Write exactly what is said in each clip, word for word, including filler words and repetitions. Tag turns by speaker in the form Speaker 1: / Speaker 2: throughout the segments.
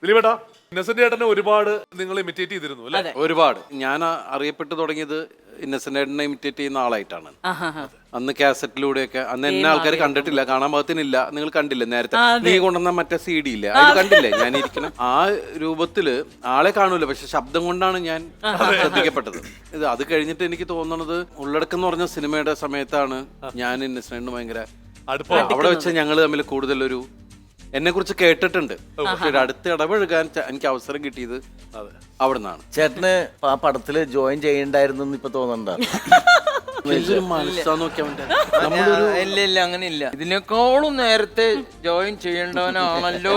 Speaker 1: ദിലീപേട്ടാ, ഇന്നസെന്റ് ചേട്ടനെ ഒരുപാട് നിങ്ങൾ ഇമിറ്റേറ്റ് ചെയ്തിരുന്നു അല്ലേ?
Speaker 2: ഒരുപാട്. ഞാൻ അറിയപ്പെട്ടു തുടങ്ങിയത് ഇന്നസെന്റ് ചേട്ടനെ ഇമിറ്റേറ്റ് ചെയ്യുന്ന ആളായിട്ടാണ്. അന്ന് കാസറ്റിലൂടെയൊക്കെ, അന്ന് എന്നെ ആൾക്കാർ കണ്ടിട്ടില്ല, കാണാൻ പാകത്തിനില്ല. നിങ്ങൾ കണ്ടില്ലേ നേരത്തെ നീ കൊണ്ടുവന്ന മറ്റേ സി ഡി ഇല്ല, അത് കണ്ടില്ലേ? ഞാൻ ഇരിക്കണം ആ രൂപത്തില് ആളെ കാണൂല, പക്ഷെ ശബ്ദം കൊണ്ടാണ് ഞാൻ ശ്രദ്ധിക്കപ്പെട്ടത്. ഇത് അത് കഴിഞ്ഞിട്ട് എനിക്ക് തോന്നുന്നത് ഉള്ളടക്കം എന്ന് പറഞ്ഞ സിനിമയുടെ സമയത്താണ് ഞാൻ ഇന്നസെന്റിന് ഭയങ്കര അവിടെ വെച്ച് ഞങ്ങൾ തമ്മിൽ കൂടുതലൊരു എന്നെ കുറിച്ച് കേട്ടിട്ടുണ്ട്. പക്ഷെ അടുത്ത് ഇടപഴകാൻ എനിക്ക് അവസരം കിട്ടിയത് അവിടെ നിന്നാണ്.
Speaker 3: ചേട്ടന് ആ പടത്തില് ജോയിൻ ചെയ്യണ്ടായിരുന്നു ഇപ്പൊ തോന്നണ്ട?
Speaker 4: ഇല്ല ഇല്ല അങ്ങനെ ഇല്ല, ഇതിനേക്കാളും നേരത്തെ ജോയിൻ ചെയ്യേണ്ടവനാണല്ലോ.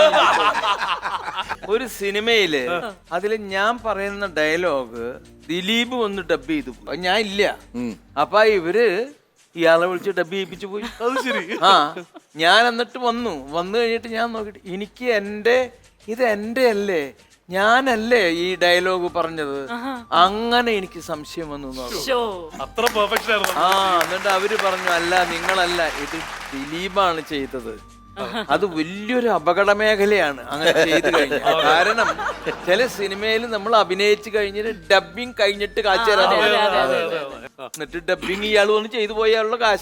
Speaker 4: ഒരു സിനിമയില് അതില് ഞാൻ പറയുന്ന ഡയലോഗ് ദിലീപ് വന്ന് ഡബ് ചെയ്തു, ഞാൻ ഇല്ല. അപ്പൊ ഇവര് ഇയാളെ വിളിച്ച് ഡബ് ചെയ്യിപ്പിച്ചു പോയി.
Speaker 1: അത് ശരി.
Speaker 4: ആ ഞാൻ എന്നിട്ട് വന്നു വന്നു കഴിഞ്ഞിട്ട് ഞാൻ നോക്കിട്ട് എനിക്ക് എന്റെ ഇത് എന്റെ അല്ലേ, ഞാനല്ലേ ഈ ഡയലോഗ് പറഞ്ഞത്, അങ്ങനെ എനിക്ക് സംശയം വന്നു.
Speaker 1: അത്ര പെർഫെക്ഷൻ ആയിരുന്നു.
Speaker 4: ആ എന്നിട്ട് അവര് പറഞ്ഞു അല്ല നിങ്ങളല്ല, ഇത് ദിലീപാണ് ചെയ്തത്. അത് വലിയൊരു അപകട മേഖലയാണ് അങ്ങനെ ചെയ്തു കഴിഞ്ഞാൽ. കാരണം ചില സിനിമയിൽ നമ്മൾ അഭിനയിച്ചു കഴിഞ്ഞിട്ട് ഡബിങ് കഴിഞ്ഞിട്ട് കാശ് തരാൻ, എന്നിട്ട് ഡബിങ് ഇയാൾ വന്ന് ചെയ്തു പോയാലുള്ള കാശ്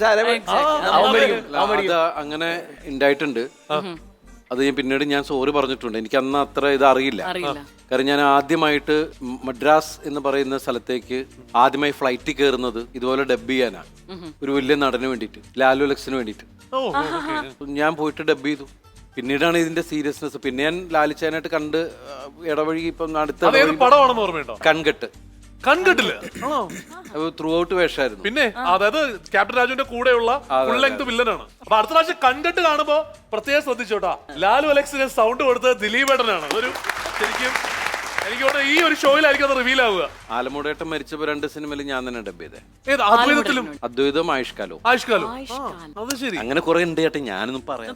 Speaker 2: അങ്ങനെ ഉണ്ടായിട്ടുണ്ട്. അത് ഞാൻ പിന്നീട് ഞാൻ സോറി പറഞ്ഞിട്ടുണ്ട്. എനിക്ക് അന്ന് അത്ര ഇത് അറിയില്ല. കാരണം ഞാൻ ആദ്യമായിട്ട് മദ്രാസ് എന്ന് പറയുന്ന സ്ഥലത്തേക്ക് ആദ്യമായി ഫ്ലൈറ്റിൽ കയറുന്നത് ഇതുപോലെ ഡബ് ചെയ്യാനാണ്, ഒരു വലിയ നടന് വേണ്ടിയിട്ട്, ലാലു ലക്സിന് വേണ്ടിയിട്ട്. ഞാൻ പോയിട്ട് ഡബ് ചെയ്തു. പിന്നീടാണ് ഇതിന്റെ സീരിയസ്നെസ്. പിന്നെ ഞാൻ ലാലിച്ചാനായിട്ട് കണ്ട് ഇടവഴി ഇപ്പം അടുത്ത
Speaker 1: പടമാണെന്ന് ഓർമ്മയുണ്ടോ?
Speaker 2: കൺകെട്ട്.
Speaker 1: കൺകെട്ടില്ല
Speaker 2: ത്രൂ ഔട്ട് വേഷമായിരുന്നു.
Speaker 1: പിന്നെ അതായത് ക്യാപ്റ്റൻ രാജുവിന്റെ കൂടെയുള്ള ഫുൾ ലെങ്ത് വില്ലനാണ്. അപ്പൊ അടുത്ത പ്രാവശ്യം കൺകെട്ട് കാണുമ്പോ പ്രത്യേകം ശ്രദ്ധിച്ചോട്ടാ, ലാലു അലക്സിന് സൗണ്ട് കൊടുത്തത് ദിലീപേട്ടനാണ്. അതൊരു ശരിക്കും എനിക്ക് തോന്നുന്നു ഈ ഒരു ഷോയിലായിരിക്കും അത് റിവീൽ ആവുക.
Speaker 2: ആലമുടേട്ടൻ മരിച്ചപ്പോ രണ്ട് സിനിമയിൽ ഞാൻ തന്നെ ഡബ് ചെയ്തേ.
Speaker 1: ഏത് അദ്വൈതത്തിലും?
Speaker 2: അദ്വൈതം, ആയുഷ്കാലവും.
Speaker 1: ആയുഷ്കാലം, അത് ശരി.
Speaker 2: അങ്ങനെ കുറെ ഉണ്ട് ചേട്ടൻ, ഞാനൊന്നും പറയാം.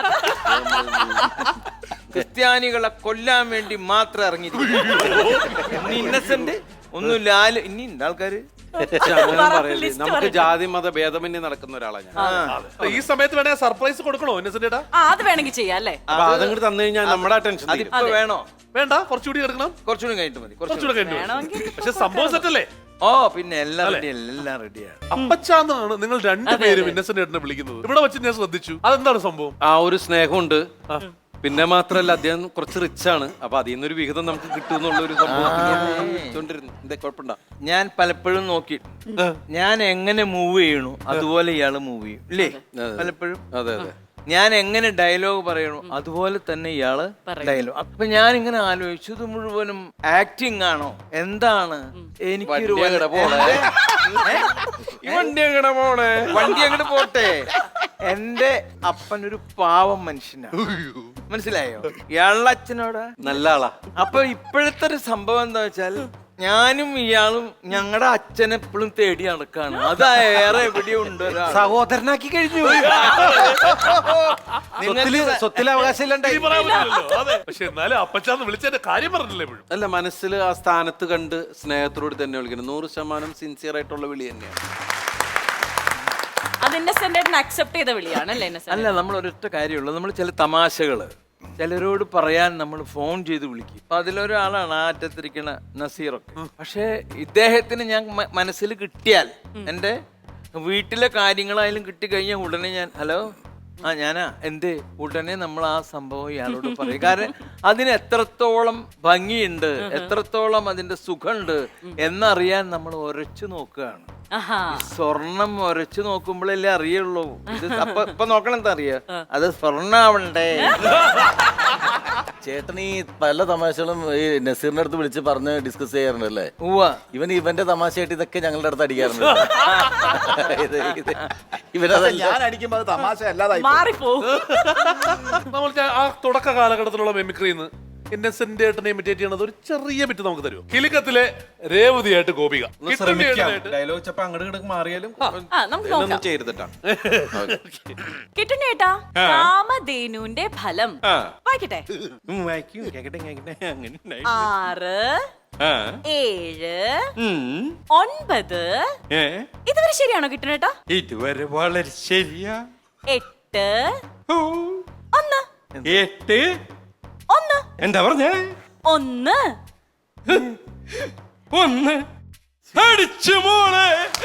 Speaker 4: ക്രിസ്ത്യാനികളെ കൊല്ലാൻ വേണ്ടി മാത്രം ഇറങ്ങിയിരിക്കുന്നു ഇന്നസെന്റ്. ഒന്നും ലാല് ഇനി ഉണ്ട് ആൾക്കാര്.
Speaker 2: നമുക്ക് ജാതി മത ഭേദമന്യേ നടക്കുന്ന ഒരാളാണ് ഞാൻ.
Speaker 1: ഈ സമയത്ത് വേണേ സർപ്രൈസ് കൊടുക്കണോ ഇന്നസെന്റ്?
Speaker 5: അത് വേണമെങ്കിൽ ചെയ്യാം അല്ലേ?
Speaker 2: അപ്പൊ അതങ്ങോട്ട് തന്നു കഴിഞ്ഞാൽ നമ്മുടെ ടെൻഷൻ
Speaker 4: അതിപ്പോ വേണോ?
Speaker 1: വേണ്ട, കുറച്ചുകൂടി എടുക്കണം.
Speaker 4: കുറച്ചുകൂടി കഴിഞ്ഞിട്ട് മതി.
Speaker 1: കുറച്ചുകൂടി കഴിഞ്ഞു. പക്ഷെ സംഭവം സെറ്റല്ലേ?
Speaker 4: ഓ പിന്നെ എല്ലാം റെഡി, എല്ലാം റെഡിയാണ്.
Speaker 1: അപ്പച്ചാന്നാണ് നിങ്ങൾ രണ്ടുപേരും ഇന്നസെന്റ് ഏട്ടനെ വിളിക്കുന്നത്. ഇവിടെ വെച്ച് ഞാൻ ശ്രദ്ധിച്ചു. അതെന്താണ് സംഭവം?
Speaker 2: ആ ഒരു സ്നേഹമുണ്ട്. പിന്നെ മാത്രല്ല അദ്ദേഹം കുറച്ച് റിച്ച് ആണ്. അപ്പൊ അതിൽ നിന്നൊരു വിഹിതം നമുക്ക് കിട്ടുമെന്നുള്ള ഒരു സംഭവം.
Speaker 4: ഞാൻ പലപ്പോഴും നോക്കി ഞാൻ എങ്ങനെ മൂവ് ചെയ്യണു അതുപോലെ ഇയാള് മൂവ് ചെയ്യും ഇല്ലേ പലപ്പോഴും.
Speaker 2: അതെ അതെ.
Speaker 4: ഞാൻ എങ്ങനെ ഡയലോഗ് പറയണു അതുപോലെ തന്നെ ഇയാള് ഡയലോഗ്. അപ്പൊ ഞാൻ ഇങ്ങനെ ആലോചിച്ചു, ഇത് മുഴുവനും ആക്ടിങ് ആണോ എന്താണ്? എനിക്കൊരു വണ്ടി അങ്ങോട്ട് പോട്ടെ. എന്റെ അപ്പനൊരു പാവം മനുഷ്യനാണ്, മനസ്സിലായോ? ഇയാളുടെ അച്ഛനോട്
Speaker 2: നല്ല ആളാ.
Speaker 4: അപ്പൊ ഇപ്പോഴത്തെ ഒരു സംഭവം എന്താ വെച്ചാൽ ഞാനും ഇയാളും ഞങ്ങളുടെ അച്ഛനെ എപ്പോഴും തേടി നടക്കാണ്. അത് ഏറെ എവിടെയുണ്ട്,
Speaker 2: സഹോദരനാക്കി കഴിഞ്ഞു. സ്വത്തിലെ അവകാശം
Speaker 1: പക്ഷെ എന്നാലും അപ്പച്ചാന്ന് വിളിച്ചതിന്റെ കാര്യം പറഞ്ഞില്ലേ?
Speaker 2: അല്ല, മനസ്സിൽ ആ സ്ഥാനത്ത് കണ്ട് സ്നേഹത്തോട് തന്നെ വിളിക്കണം. നൂറ് ശതമാനം സിൻസിയർ ആയിട്ടുള്ള വിളി തന്നെയാണ്.
Speaker 4: അല്ല, നമ്മൾ ഒരൊറ്റ കാര്യമുള്ളൂ, നമ്മൾ ചില തമാശകള് ചിലരോട് പറയാൻ നമ്മൾ ഫോൺ ചെയ്ത് വിളിക്കും. അപ്പൊ അതിലൊരാളാണ് ആ അറ്റത്തിരിക്കണ നസീറൊക്കെ. പക്ഷെ ഇദ്ദേഹത്തിന് ഞാൻ മനസ്സിൽ കിട്ടിയാൽ, എൻ്റെ വീട്ടിലെ കാര്യങ്ങളായാലും കിട്ടിക്കഴിഞ്ഞാൽ ഉടനെ ഞാൻ ഹലോ ആ ഞാനാ എന്തേ ഉടനെ നമ്മൾ ആ സംഭവം ഇയാളോട് പറയും. കാരണം അതിന് എത്രത്തോളം ഭംഗിയുണ്ട്, എത്രത്തോളം അതിന്റെ സുഖമുണ്ട് എന്നറിയാൻ നമ്മൾ ഉരച്ചു നോക്കുകയാണ്. സ്വർണം ഉരച്ചു നോക്കുമ്പോഴല്ലേ അറിയുള്ളൂ. ഇത് അപ്പൊ ഇപ്പൊ നോക്കണം എന്താ അറിയാ, അത് സ്വർണ്ണാവണ്ടേ.
Speaker 3: ചേട്ടൻ ഈ പല തമാശകളും ഈ നസീറിന്റെ അടുത്ത് വിളിച്ച് പറഞ്ഞ് ഡിസ്കസ് ചെയ്യാറുണ്ടല്ലേ?
Speaker 4: ഉവ്വ.
Speaker 3: ഇവൻ ഇവന്റെ തമാശയായിട്ട് ഇതൊക്കെ ഞങ്ങളുടെ അടുത്ത് അടിക്കാറുണ്ട്. ഇവനതല്ല,
Speaker 6: ഞാൻ അടിക്കുമ്പോ അത് തമാശ അല്ലാതായി
Speaker 1: നമ്മൾ ആ തുടക്ക കാലഘട്ടത്തിലുള്ള മെമിക്രിന്ന് ഇന്നസെന്റ് ഏട്ടനെ ഇമിറ്റേറ്റ് ചെയ്യണത് ഒരു ചെറിയ ബിറ്റ് നമുക്ക് തരുമോ? കിലുക്കത്തിലെ രേവതിയായിട്ട് ഗോപിക
Speaker 2: ഡയലോഗ് അങ്ങോട്ട് മാറിയാലും ചെയ്തിട്ടാ
Speaker 5: കിട്ടുന്നേട്ടാ. കാമധേനുവിന്റെ ഫലം വായിക്കട്ടെ. ആറ്, ഏഴ്, ഒൻപത്. ഇതുവരെ ശരിയാണോ കിട്ടുന്നേട്ടാ?
Speaker 7: ഇതുവരെ വളരെ ശരിയാ.
Speaker 5: എട്ട്, ഒന്ന്,
Speaker 7: എട്ട്,
Speaker 5: ഒന്ന്
Speaker 6: എന്താ പറഞ്ഞേ?
Speaker 5: ഒന്ന്
Speaker 6: ഒന്ന് അടിച്ചു മോളെ.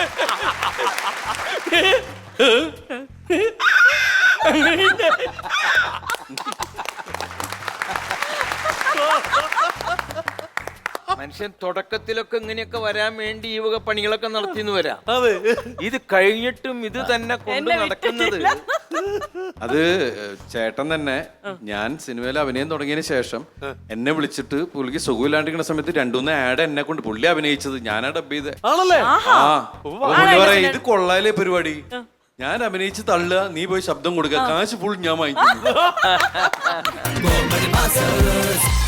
Speaker 4: മനുഷ്യൻ തുടക്കത്തിലൊക്കെ ഇങ്ങനെയൊക്കെ വരാൻ വേണ്ടി ഈ വക പണികളൊക്കെ നടത്തിന്ന് വരാം.
Speaker 1: അതെ.
Speaker 4: ഇത് കഴിഞ്ഞിട്ടും ഇത് തന്നെ കൊണ്ട്
Speaker 5: എന്നെ
Speaker 4: നടക്കുന്നത്.
Speaker 2: അത് ചേട്ടൻ തന്നെ ഞാൻ സിനിമയിൽ അഭിനയം തുടങ്ങിയതിന് ശേഷം എന്നെ വിളിച്ചിട്ട് പുള്ളിക്ക് സുഖമില്ലാണ്ടിരിക്കുന്ന സമയത്ത് രണ്ടുമൂന്ന് ആഡ് എന്നെ കൊണ്ട് പുള്ളി അഭിനയിച്ചത് ഞാനാ ഡബ് ചെയ്തേ.
Speaker 1: ആണല്ലേ?
Speaker 2: ആ പുള്ളി പറയാ ഇത് കൊള്ളാലേ പരിപാടി, ഞാൻ അഭിനയിച്ച് തള്ളുക, നീ പോയി ശബ്ദം കൊടുക്കുക, കാശ് ഫുൾ ഞാൻ വാങ്ങിക്കുന്നു.